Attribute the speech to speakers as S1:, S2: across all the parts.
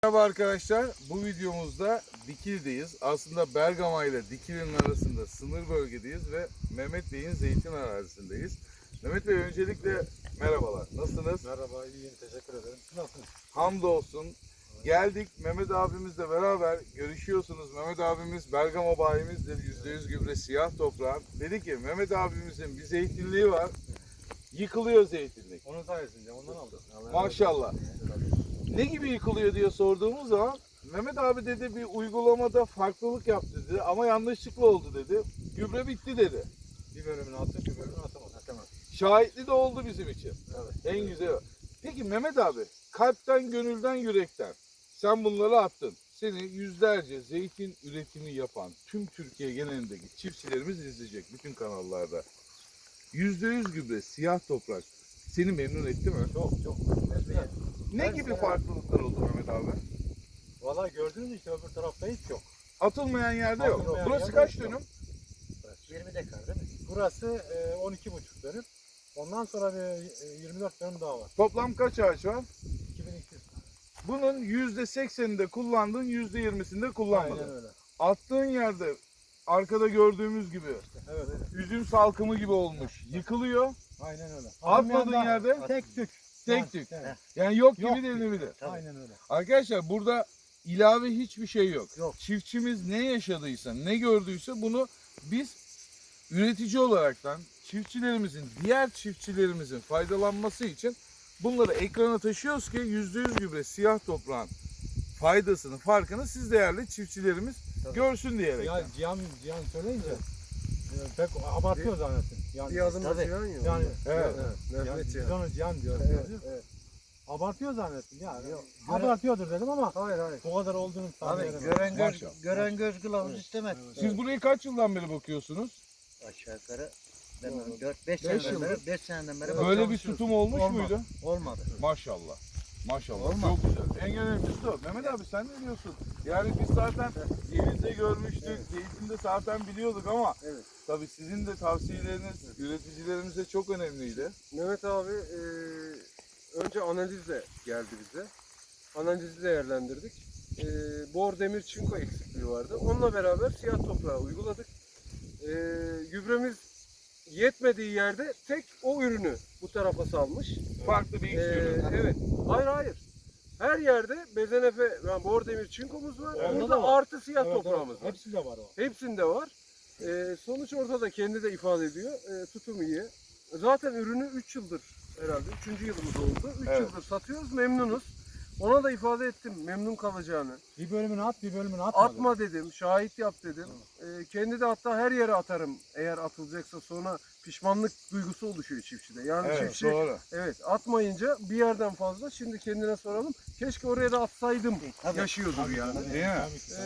S1: Merhaba arkadaşlar, bu videomuzda Dikili'deyiz. Aslında Bergama ile Dikili'nin arasında sınır bölgedeyiz ve Mehmet Bey'in zeytin arazisindeyiz. Mehmet Bey öncelikle merhabalar, nasılsınız?
S2: Merhaba, iyiyim, teşekkür ederim. Nasılsınız?
S1: Hamdolsun. Geldik Mehmet abimizle beraber görüşüyorsunuz. Mehmet abimiz Bergama bayimizdir, %100 gübre siyah toprağın. Dedi ki Mehmet abimizin bir zeytinliği var, yıkılıyor zeytinlik.
S2: Onun sayesinde, ondan aldım.
S1: Maşallah. Ne gibi yıkılıyor diye sorduğumuz zaman Mehmet abi dedi bir uygulamada farklılık yaptı dedi ama yanlışlıkla oldu dedi. Gübre bitti dedi.
S2: Bir bölümünü attım, bir bölümünü atamadım.
S1: Şahitli de oldu bizim için.
S2: Evet.
S1: En güzel o. Peki Mehmet abi kalpten, gönülden, yürekten sen bunları attın. Seni yüzlerce zeytin üretimi yapan tüm Türkiye genelindeki çiftçilerimiz izleyecek bütün kanallarda. %100 gübre siyah toprak seni memnun etti mi?
S2: Çok.
S1: Ne gibi farklılıklar oldu Mehmet abi?
S2: Valla gördüğünüz işte öbür tarafta hiç yok.
S1: Atılmayan yerde yok.
S2: Atılmayan
S1: Burası
S2: yerde
S1: kaç
S2: yok.
S1: dönüm?
S3: 20 dekar değil mi?
S2: Burası 12,5 dönüm. Ondan sonra bir 24 dönüm daha var.
S1: Toplam kaç ağaç var?
S2: 2200.
S1: Bunun %80'inde kullandın, %20'sinde kullanmadın.
S2: Aynen öyle.
S1: Attığın yerde arkada gördüğümüz gibi
S2: Evet.
S1: üzüm salkımı gibi olmuş. Yıkılıyor.
S2: Aynen öyle.
S1: Atmadığın yerde
S2: tek tük.
S1: tek tük.
S2: Evet.
S1: Yani yok
S2: Yok
S1: gibi denilebilir.
S2: Aynen öyle.
S1: Arkadaşlar burada ilave hiçbir şey yok.
S3: Yok.
S1: Çiftçimiz ne yaşadıysa, ne gördüyse bunu biz üretici olaraktan çiftçilerimizin, diğer çiftçilerimizin faydalanması için bunları ekrana taşıyoruz ki %100 gübre siyah toprağın faydasını, farkını siz değerli çiftçilerimiz görsün diyerek.
S2: Ya Cihan söyleyince pek abartıyor zannettim. Yani,
S3: Bir adım atıyor ya.
S2: yani
S1: Evet.
S2: yani biz onu Cihan diyoruz.
S3: Evet.
S2: Abartıyor zannettim yani.
S3: Yok,
S2: Abartıyordur dedim ama
S3: Hayır.
S2: bu kadar olduğunu
S3: Abi
S2: tahmin
S3: gören göz kılavuz istemez.
S1: Siz burayı kaç yıldan beri bakıyorsunuz?
S3: Aşağı yukarı ben 4-5
S1: Beş
S3: seneden
S1: yıldır.
S3: beri 5 seneden beri
S1: Böyle bir
S3: çalışıyoruz.
S1: tutum olmuş
S3: Olmadı.
S1: muydu?
S3: Olmadı.
S1: Maşallah. Maşallah.
S3: Olmaz.
S1: Çok güzel. En önemlisi de o. Mehmet abi sen ne diyorsun? Yani biz zaten denizde görmüştük. Zeytinde zaten biliyorduk ama
S4: Evet.
S1: tabii sizin de tavsiyeleriniz üreticilerimize çok önemliydi.
S4: Mehmet abi önce analizle geldi bize. Analizi değerlendirdik. Bor, demir, çinko eksikliği vardı. Onunla beraber siyah toprağı uyguladık. Gübremiz yetmediği yerde tek o ürünü bu tarafa salmış.
S1: Farklı bir iksir.
S4: Evet. Hayır. Her yerde bezenefe, yani bor, demir, çinkomuz var.
S2: Onda
S4: Orada
S2: da var.
S4: artı siyah toprağımız var.
S2: Hepsinde var o.
S4: Hepsinde var. Sonuç orada da kendi de ifade ediyor. Tutum iyi. Zaten ürünü 3 yıldır herhalde. 3. yılımız oldu. 3
S1: Evet.
S4: yıldır satıyoruz. Memnunuz. Ona da ifade ettim memnun kalacağını.
S2: Bir bölümünü at, bir bölümünü atma.
S4: Atma dedim. Şahit yap dedim. Kendi de hatta her yere atarım. Eğer atılacaksa sonra pişmanlık duygusu oluşuyor çiftçide. Yani
S1: Evet,
S4: çiftçi
S1: doğru.
S4: evet atmayınca bir yerden fazla. Şimdi kendine soralım. Keşke oraya da atsaydım.
S3: Tabii.
S4: Yaşıyordur yani.
S1: Değil mi?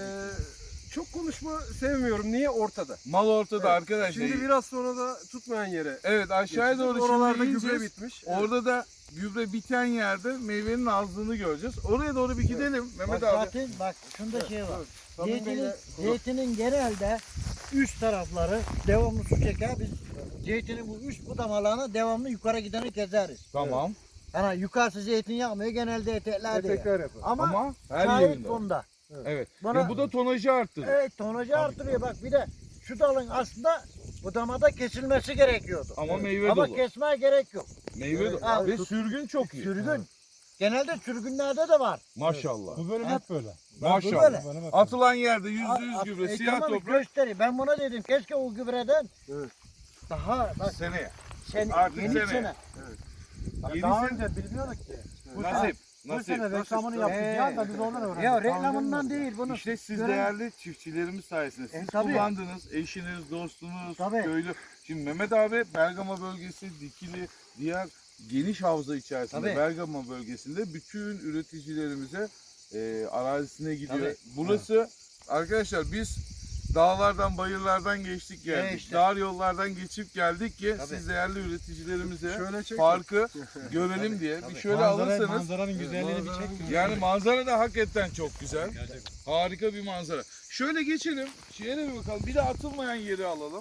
S4: Çok konuşma sevmiyorum. Niye? Ortada.
S1: Mal ortada
S4: Evet.
S1: arkadaşlar.
S4: Şimdi biraz sonra da tutmayan yere.
S1: Evet aşağıya doğru
S4: oralarda
S1: şimdi
S4: gübre
S1: ineceğiz.
S4: bitmiş.
S1: Orada da gübre biten yerde meyvenin azlığını göreceğiz. Oraya doğru bir gidelim Mehmet
S3: Bak
S1: abi.
S3: zaten bak şunda şey var.
S4: Tabii
S3: Zeytinin,
S4: böyle-
S3: zeytinin genelde üst tarafları devamlı su çeker. Biz zeytinin bu üst budamalarını devamlı yukarı gideni gezeriz.
S1: Tamam.
S3: Yani yukarısı zeytin yapmıyor genelde eteklerde yer.
S4: Etekler yapar.
S3: Ama
S1: her
S3: şahit
S1: yerinde.
S3: bunda.
S1: Evet.
S3: Bana-
S1: Ya bu da tonajı arttırır.
S3: Evet tonajı artırıyor. Bak bir de şu dalın aslında budamada kesilmesi gerekiyordu.
S1: Ama meyve
S3: Ama
S1: dolu.
S3: kesmeye gerek yok.
S1: Meyve dolu.
S3: Abi,
S1: Ve sürgün çok iyi.
S3: Sürgün. Genelde sürgünlerde de var.
S1: Maşallah.
S2: Bu bölüm
S3: Evet.
S2: hep böyle.
S1: Maşallah.
S3: böyle.
S2: Bu bölüm hep
S1: Atılan yerde %100
S3: At-
S1: gübre,
S3: Ekrem
S1: siyah
S3: abi
S1: toprak
S3: gösteriyor. Ben buna dedim keşke o gübreden
S4: Evet.
S3: daha bak
S1: seneye.
S3: sen
S1: Artık
S3: yeni
S1: sene.
S3: sene.
S1: Yeni
S2: Daha
S1: sene-
S2: önce bilmiyorduk ki.
S1: Nasip.
S2: Bu
S1: Nasip.
S2: sene reklamını yaptık. Cihan da biz oradan öğrendik.
S3: Ya
S2: Daha önce
S3: reklamından
S2: bilmiyorduk.
S3: değil bunu.
S1: İşte siz
S3: gören-
S1: değerli çiftçilerimiz sayesinde siz
S3: tabii.
S1: kullandınız, eşiniz, dostunuz,
S3: Tabii.
S1: köylü. Şimdi Mehmet abi Bergama bölgesi, Dikili, diğer geniş havza içerisinde
S3: Tabii.
S1: Bergama bölgesinde bütün üreticilerimize arazisine gidiyor.
S3: Tabii.
S1: Burası arkadaşlar biz dağlardan, bayırlardan geçtik geldik.
S3: işte.
S1: Dar yollardan geçip geldik ki
S3: Tabii.
S1: siz değerli üreticilerimize
S4: Şöyle çek.
S1: farkı görelim diye. Bir şöyle alırsanız
S2: Manzaranın güzelliğini bir
S4: Manzaranın
S2: çek.
S1: yani manzara da hakikaten çok güzel. Harika bir manzara. Şöyle geçelim. Şeye bir bakalım. Bir de atılmayan yeri alalım.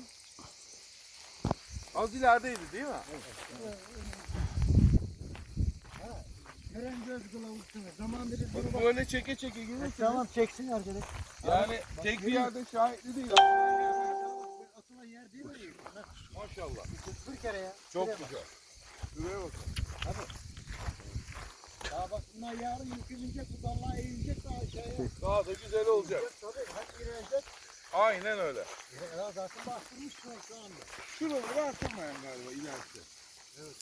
S1: Az ilerideydi değil mi?
S3: Gören göz kılavuzsun. Zamanında biz bunu
S1: Bak böyle çeke çeke gelirsiniz.
S3: Tamam çeksin arkadaş.
S1: Yani tek bir yerde şahitli değil.
S3: Atılan yer değil mi?
S1: Maşallah.
S3: Bir kere ya.
S1: Çok
S3: Şuraya bak.
S1: güzel. Şuraya bakın.
S3: Ya bak bunlar yarın yükülecek, bu dallar eğilecek daha aşağıya.
S1: Daha da güzel olacak.
S3: Tabii hep girecek.
S1: Aynen öyle.
S3: Ya zaten bastırmış şu anda.
S1: Şuraları bastırmayın galiba ilerisi.
S3: Evet.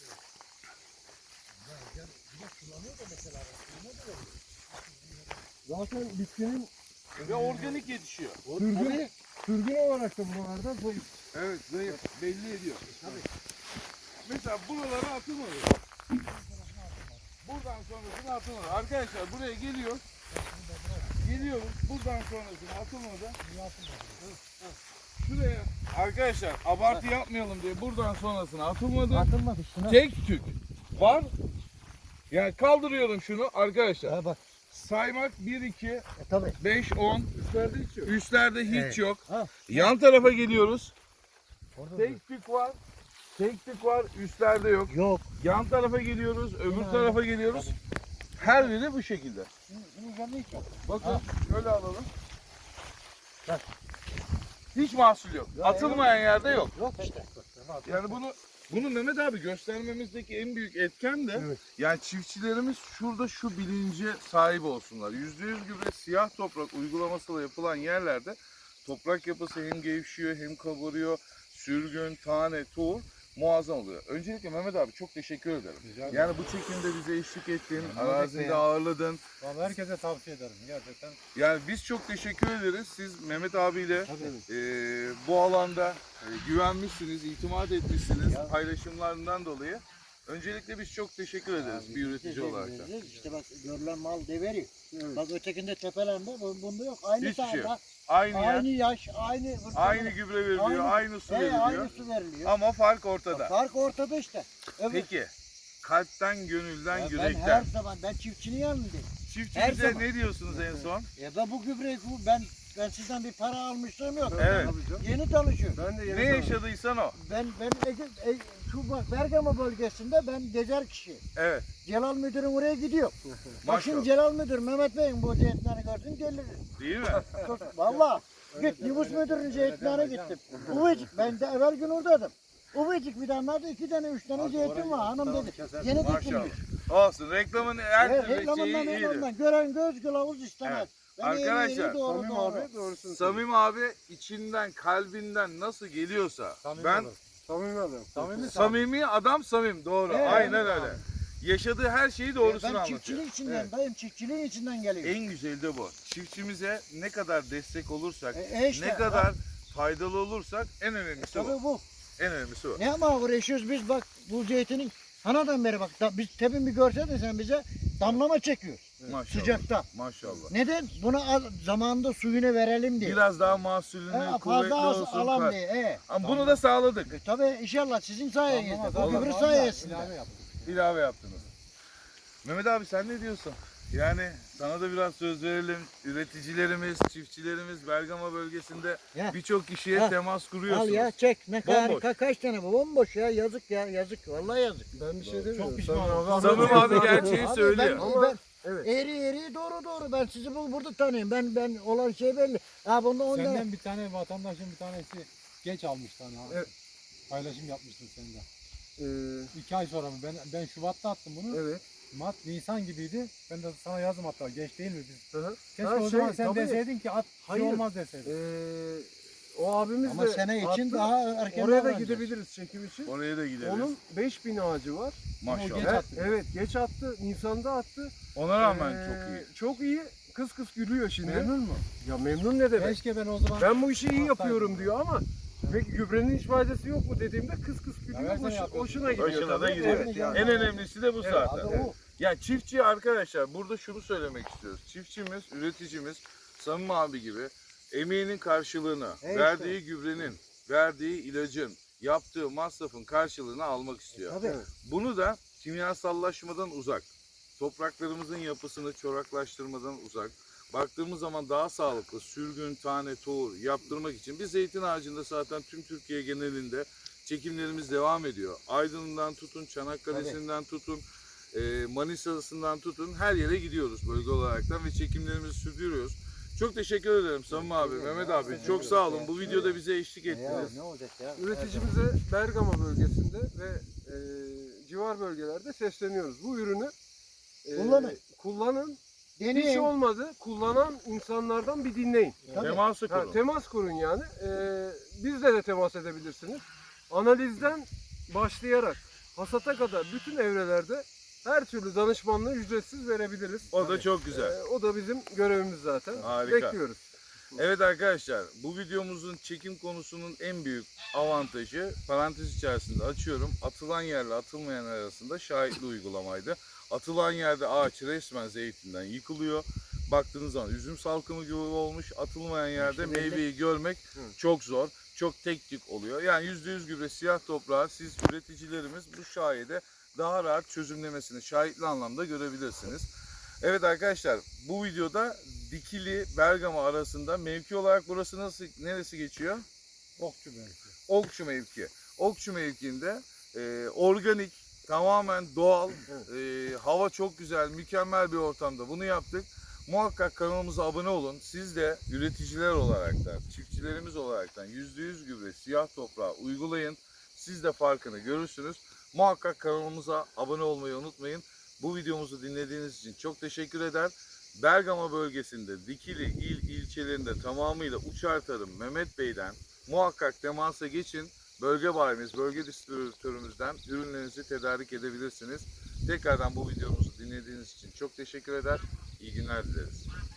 S3: Ya bir de sulanıyor da mesela. Suyuna da veriyor.
S2: Zaten bitkinin
S1: Ve organik yetişiyor.
S2: sürgün olarak da buralarda zayıf.
S1: Evet zayıf. Belli ediyor. Tabii. Mesela buralara atılmadı. Buradan sonrasını atılmadı. Arkadaşlar buraya geliyoruz. Geliyoruz. Buradan sonrasını atılmadı. Şuraya arkadaşlar abartı yapmayalım diye buradan sonrasını atılmadı.
S3: Atılmadı üstüne.
S1: Tek tük var. Yani kaldırıyorum şunu arkadaşlar.
S3: Ha bak.
S1: Saymak 1, 2,
S3: Tabii.
S1: 5, 10.
S2: Üstlerde hiç yok.
S1: Üstlerde hiç
S3: Evet.
S1: yok.
S3: Ha.
S1: Yan tarafa geliyoruz.
S3: Orada
S1: Tek tük var. Tek tük var. Üstlerde yok.
S3: yok.
S1: Yan tarafa geliyoruz. Öbür
S3: Aynen.
S1: tarafa geliyoruz. Her biri bu şekilde.
S3: Bunun üzerinde hiç yok.
S1: Bakın
S3: Ha.
S1: şöyle alalım.
S3: Bak.
S1: Hiç mahsul yok.
S3: Ya,
S1: Atılmayan yerde yok.
S3: Yok işte.
S1: Yani bunu Mehmet abi göstermemizdeki en büyük etken de
S2: Evet.
S1: yani çiftçilerimiz şurada şu bilince sahip olsunlar. %100 gübre siyah toprak uygulamasıyla yapılan yerlerde toprak yapısı hem gevşiyor hem kabarıyor. Sürgün, tane, tohum muazzam oluyor. Öncelikle Mehmet abi çok teşekkür ederim. Yani bu çekimde bize eşlik ettin, arazinde ağırladın.
S2: Vallahi herkese tavsiye ederim gerçekten.
S1: Yani biz çok teşekkür ederiz. Siz Mehmet abiyle
S2: Tabii.
S1: bu alanda güvenmişsiniz, itimat etmişsiniz
S3: Ya.
S1: paylaşımlarından dolayı. Öncelikle biz çok teşekkür ederiz bir üretici olarak da.
S3: İşte bak görülen mal deveriyor. Bak ötekinde tepelerde bunda yok. Aynı
S1: Hiçbir şey yok.
S3: sahada,
S1: Aynı
S3: aynı
S1: yer,
S3: yaş, aynı
S1: aynı gübre veriliyor,
S3: Aynı-
S1: aynı su veriliyor.
S3: aynı su veriliyor.
S1: Ama fark ortada.
S3: Fark ortada işte. Evet.
S1: Peki, kalpten, gönülden,
S3: Ya ben
S1: yürekten.
S3: her zaman ben çiftçinin yanındayım. her
S1: Çiftçimize
S3: zaman.
S1: ne diyorsunuz en son?
S3: Ben bu gübreyi ben sizden bir para almışlığım yok.
S1: Evet.
S2: Tabii canım.
S3: Yeni tanışıyorum.
S2: Ben de yeni
S1: Ne
S2: tanıdım.
S1: yaşadıysan o.
S3: Ben şu bak Bergama bölgesinde ben gezer kişi.
S1: Evet,
S3: Celal müdürüm oraya gidiyor. Bak şimdi
S1: maşallah.
S3: Celal müdür Mehmet Bey'in bu zeytinleri gördün gelir.
S1: Değil mi?
S3: Valla. Git nüfus müdürünün zeytinlerine gittim. Uvecik ben de evvel gün oradaydım. Uvecik bir tane 2 tane 3 tane zeytin var hanım dedi. Yeni
S1: Maşallah.
S3: dikilmiş.
S1: Olsun, reklamın her
S3: Evet,
S1: türlü şeyi
S3: reklamından
S1: iyidir.
S3: ondan. Gören göz kılavuz istemez.
S1: Evet.
S3: Ben
S1: Arkadaşlar,
S3: eğri doğru
S2: Samim
S3: doğru.
S2: abi doğrusunu söylüyor.
S1: Samim abi içinden, kalbinden nasıl geliyorsa ben
S2: Samimi adam.
S1: samimi adam samim doğru.
S3: Evet.
S1: Aynen öyle. Yaşadığı her şeyi doğrusunu
S3: Ben
S1: anlatıyor.
S3: çiftçiliğin içinden,
S1: Evet.
S3: dayım çiftçiliğin içinden geliyorum.
S1: En güzeli de bu. Çiftçimize ne kadar destek olursak,
S3: İşte,
S1: ne kadar faydalı olursak en önemlisi bu.
S3: Tabii bu.
S1: En önemlisi bu.
S3: Ne ama uğraşıyoruz biz bak bu zeytinin hanadan beri bak biz tepin bir görseydin sen bize damlama çekiyor
S1: Maşallah.
S3: sıcakta.
S1: Maşallah.
S3: Neden? Buna zamanında suyunu verelim diye.
S1: Biraz daha mahsulünü kuvvetli
S3: fazla az
S1: olsun.
S3: alam diye.
S1: Ama bunu da sağladık.
S3: Tabii inşallah sizin sayenizde. Bu
S1: Allah.
S3: gübre sayesinde.
S1: İlave yaptınız. Mehmet abi sen ne diyorsun? Yani sana da biraz söz verelim. Üreticilerimiz, çiftçilerimiz Bergama bölgesinde
S3: Ya.
S1: birçok kişiye
S3: Ha.
S1: temas
S3: Al
S1: kuruyorsunuz.
S3: ya çek ne
S1: Bomboş.
S3: kadar kaç tane bu bomboş ya yazık ya yazık vallahi yazık.
S2: Ben bir şey demiyorum.
S3: Çok pişmanım.
S1: Samim abi gerçeği
S3: Abi
S1: söylüyor.
S3: Ben,
S2: Evet.
S3: eğri doğru ben sizi burada tanıyorum. Ben olan şey belli. Ha bunda ondan
S5: Senden bir tane vatandaşın bir tanesi geç almıştı hani.
S2: Evet.
S5: Paylaşım yapmıştın sen de.
S2: Ee,
S5: 2 ay sonra mı? Ben Şubat'ta attım bunu.
S2: evet.
S5: Mart, Nisan gibiydi. Ben de sana yazdım hatta. Geç değil mi biz?
S2: Hı hı.
S5: Keşke
S2: Ha,
S5: o zaman sen
S2: tabii.
S5: deseydin ki at bir
S2: Hayır.
S5: şey olmaz deseydin.
S2: O abimiz
S3: ama
S2: de
S3: sene için
S2: attı.
S3: daha erken
S2: Oraya da
S3: davranacağız.
S2: gidebiliriz çekim için.
S1: Oraya da gideriz.
S2: Onun 5000 ağacı var.
S1: Maşallah.
S5: Geç
S2: Evet,
S5: attı.
S2: evet geç attı. Nisan'da attı.
S1: Ona rağmen
S2: Ee,
S1: çok iyi.
S2: Çok iyi. Kıs kıs gülüyor şimdi.
S5: Memnun mu?
S2: Ya memnun ne demek?
S5: Keşke ben o zaman...
S2: Ben bu işi iyi
S5: Haklısın.
S2: yapıyorum diyor ama peki gübrenin hiç faydası yok mu dediğimde kıs kıs gülüyor.
S5: versene yapıyorsun.
S2: Hoşuna gidiyor.
S1: Hoşuna da
S2: tabii.
S1: gidiyor.
S2: Evet, yani.
S1: En önemlisi de bu
S3: Evet,
S1: zaten.
S3: abi o.
S1: Ya çiftçi arkadaşlar burada şunu söylemek istiyoruz. Çiftçimiz, üreticimiz Samim abi gibi emeğinin karşılığını,
S3: Evet.
S1: verdiği gübrenin, verdiği ilacın, yaptığı masrafın karşılığını almak istiyor.
S3: Tabii.
S1: Bunu da kimyasallaşmadan uzak, topraklarımızın yapısını çoraklaştırmadan uzak, baktığımız zaman daha sağlıklı sürgün, tane, tohum yaptırmak için biz zeytin ağacında zaten tüm Türkiye genelinde çekimlerimiz devam ediyor. Aydın'dan tutun, Çanakkale'sinden tutun, Manisa'sından tutun her yere gidiyoruz bölge olaraktan ve çekimlerimizi sürdürüyoruz. Çok teşekkür ederim Samim abi, Mehmet abi. Çok sağ olun. Bu videoda bize eşlik ettiniz.
S3: Ne olacak ya?
S4: Üreticimize Bergama bölgesinde ve civar bölgelerde sesleniyoruz. Bu ürünü kullanın. Hiç
S3: Deneyin.
S4: olmadı. Kullanan insanlardan bir dinleyin.
S3: Tabii.
S1: Teması
S4: Ha,
S1: kurun.
S4: temas kurun yani. Bizle de temas edebilirsiniz. Analizden başlayarak hasata kadar bütün evrelerde her türlü danışmanlığı ücretsiz verebiliriz.
S1: O da çok güzel.
S4: O da bizim görevimiz zaten.
S1: Harika.
S4: Bekliyoruz.
S1: Evet arkadaşlar, bu videomuzun çekim konusunun en büyük avantajı, parantez içerisinde açıyorum, atılan yerle atılmayan arasında şahitli uygulamaydı. Atılan yerde ağaç resmen zeytinden yıkılıyor. Baktığınız zaman üzüm salkımı gibi olmuş. Atılmayan yerde meyveyi görmek çok zor. Çok tek tük oluyor. Yani %100 gübre siyah toprağı siz üreticilerimiz bu şahide daha rahat çözümlemesini şahitli anlamda görebilirsiniz. Evet arkadaşlar, bu videoda Dikili Bergama arasında mevki olarak burası neresi geçiyor?
S5: Okçu mevki.
S1: Okçu mevki. Okçu mevkiinde organik, tamamen doğal, hava çok güzel, mükemmel bir ortamda bunu yaptık. Muhakkak kanalımıza abone olun. Siz de üreticiler olaraktan, çiftçilerimiz olaraktan %100 gübre siyah toprağı uygulayın. Siz de farkını görürsünüz. Muhakkak kanalımıza abone olmayı unutmayın. Bu videomuzu dinlediğiniz için çok teşekkür eder. Bergama bölgesinde Dikili ilçelerinde tamamıyla uçar tarım Mehmet Bey'den muhakkak temasa geçin. Bölge bayimiz, bölge distribütörümüzden ürünlerinizi tedarik edebilirsiniz. Tekrardan bu videomuzu dinlediğiniz için çok teşekkür eder. İyi günler dileriz.